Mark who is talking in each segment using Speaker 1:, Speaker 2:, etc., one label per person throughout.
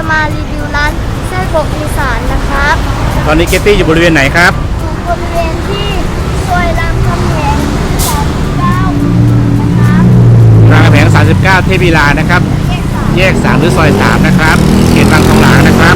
Speaker 1: มารีวิวร้านไส้กรอกอีสานนะครับ
Speaker 2: ตอนนี้เกตตี้อยู่บริเวณไหนครับ
Speaker 1: อยู่บริเวณที่ซอยรามคำแหง39นะครับ
Speaker 2: รามคำแหง39 เทพวิลานะครับ แยก 3 หรือซอย 3 นะครับ เขตบางทองหลางนะครับ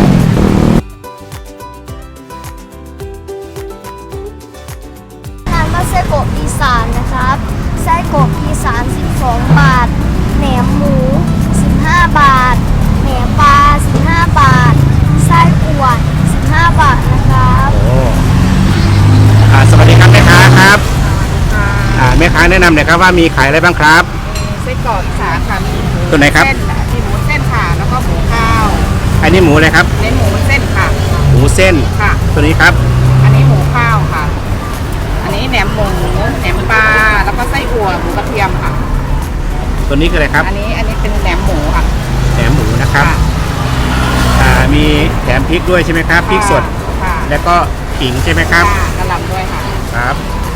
Speaker 1: ร้านมาไส้กรอกอีสานนะครับไส้กรอกอีสาน12 บาทแหนมหมู15 บาทแหนมปลา15 บาทไส้อั่ว15 บาทนะครับ
Speaker 2: โอ้สวัสดีครับแม่ค้าครับแม่ค้าแนะนำหน่อยครับว่ามีขายอะไรบ้างครับ
Speaker 3: ไส้กรอกอีสานค่ะมีหมู
Speaker 2: ตัวไหนครับ
Speaker 3: เส้นมีหมูเส้นค่ะแล้วก็หมูข้าว
Speaker 2: อันนี้หมูอะไรครับ
Speaker 3: ในหมูเส้นค่ะ
Speaker 2: หมูเส้น
Speaker 3: ค่ะ
Speaker 2: ตัวนี้ครับ
Speaker 3: อันนี้หมูข้าวค่ะ อันนี้แหนมหมูแหนมปลาแล้วก็ไส้อั่วหมูกระเทียมค่ะ
Speaker 2: ตัวนี้คืออะไรครับ
Speaker 3: อันนี้เป็นแหนมหมูค่ะ
Speaker 2: แหนมหมูนะครับ มีแถมพริกด้วยใช่ไหมครับพริกสด
Speaker 3: ค่ะ
Speaker 2: แล้วก็ขิงใช่ไหมครับ
Speaker 3: ค่ะกระหล่ำด้วยค่ะ
Speaker 2: ครับ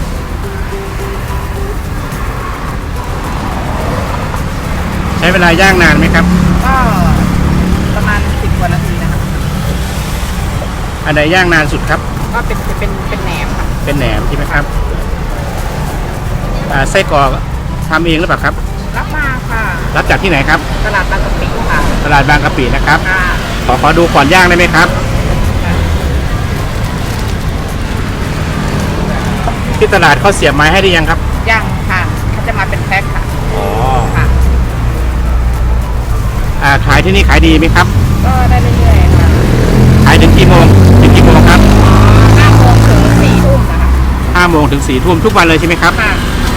Speaker 2: ใช้เวลาย่างนานไหมครับ
Speaker 3: ก็ประมาณ10 กว่านาทีนะคะ
Speaker 2: อันไหนย่างนานสุดครับ
Speaker 3: ก็เป็นแหนมค่ะ
Speaker 2: เป็นแหนมใช่ไหมครับไส้กรอกทำเองหรือเปล่าครับ
Speaker 3: รับมาค่ะ
Speaker 2: รับจากที่ไหนครับ
Speaker 3: ตลาดบางกะปิค่ะ
Speaker 2: ตลาดบางกะปินะครับ
Speaker 3: ค่ะ
Speaker 2: ขอดูก่อนย่างได้ไหมครับ ที่ตลาดเขาเสียบไม้ให้ได้ยังครับ
Speaker 3: ย่างค่ะเขาจะมาเป็นแพ็คค่ะ
Speaker 2: อ๋อ
Speaker 3: ค่ะ
Speaker 2: ขายที่นี่ขายดีไหมครับ
Speaker 3: ก็ได้เรื่อยๆค่ะ
Speaker 2: ขายถึงกี่โมงครับ
Speaker 3: 5 โมงถึง 4 ทุ่มนะคะ
Speaker 2: 5 โมงถึง 4 ทุ่มทุกวันเลยใช่ไหมครับ
Speaker 3: ค่ะ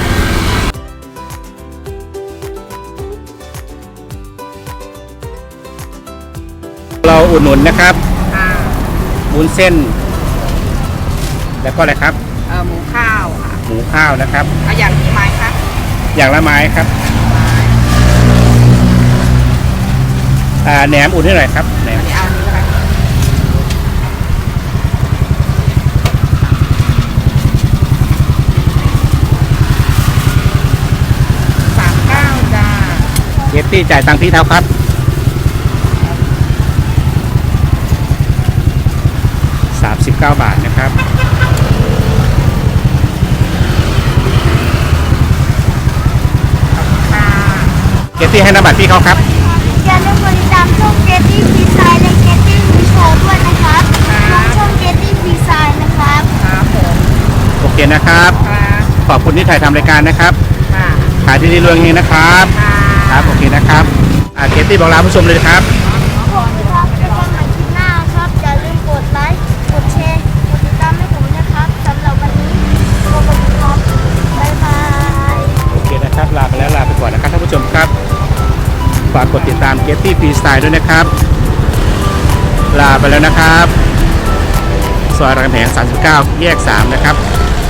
Speaker 2: เราอุดหนุนนะครับ
Speaker 3: ค่ะ
Speaker 2: วุ้นเส้น แล้วก็อะไรครับ
Speaker 3: หมูข้าวค่ะ
Speaker 2: หมูข้าวนะครับ
Speaker 3: เอาอย่างกี่ไม้คะ
Speaker 2: อย่างละไม้ครับ
Speaker 3: ไม้
Speaker 2: แหนมอุ่นให้หน่อยครับแหนม
Speaker 3: อันนี้เอาอันนี้ก็ได้39จ้า
Speaker 2: เกตตี้จ่ายตังค์ที่เท้าครับ39 บาทนะครับ
Speaker 3: ค่ะ
Speaker 2: เกตตี้ให้นามบัตรพี่เขาครับ
Speaker 1: อย่าลืมกดติดตามช่องเกตตี้ฟรีไซน์และเกตตี้มีโชว์ด้วยนะครับลงช่องเกตตี้ฟรีไซน์นะครับ
Speaker 3: ครับผม
Speaker 2: โอเคนะครับ
Speaker 3: ค่ะ
Speaker 2: ขอบคุณที่ถ่ายทำรายการนะครับ
Speaker 3: ค่ะ
Speaker 2: ขายที่ดีรวยเฮงนะครับ
Speaker 3: ค่ะ
Speaker 2: ครับโอเคนะครับเกตตี้บอกลาผู้ชมเลยครับ
Speaker 1: ผมครับแล้วก็มาคลิปหน้าครับอย่าลืมกดไลค์กดแชร์กดติดตามให้ผมนะครับสำหรับวันนี้สวัสดีครับบ๊ายบาย
Speaker 2: โอเคนะครับ ลาไปแล้วลาไปก่อนนะครับท่านผู้ชมครับฝากกดติดตามเกตตี้ฟรีสไตล์ด้วยนะครับ ลาไปแล้วนะครับซอยรามคำแหง39 แยก 3 นะครับ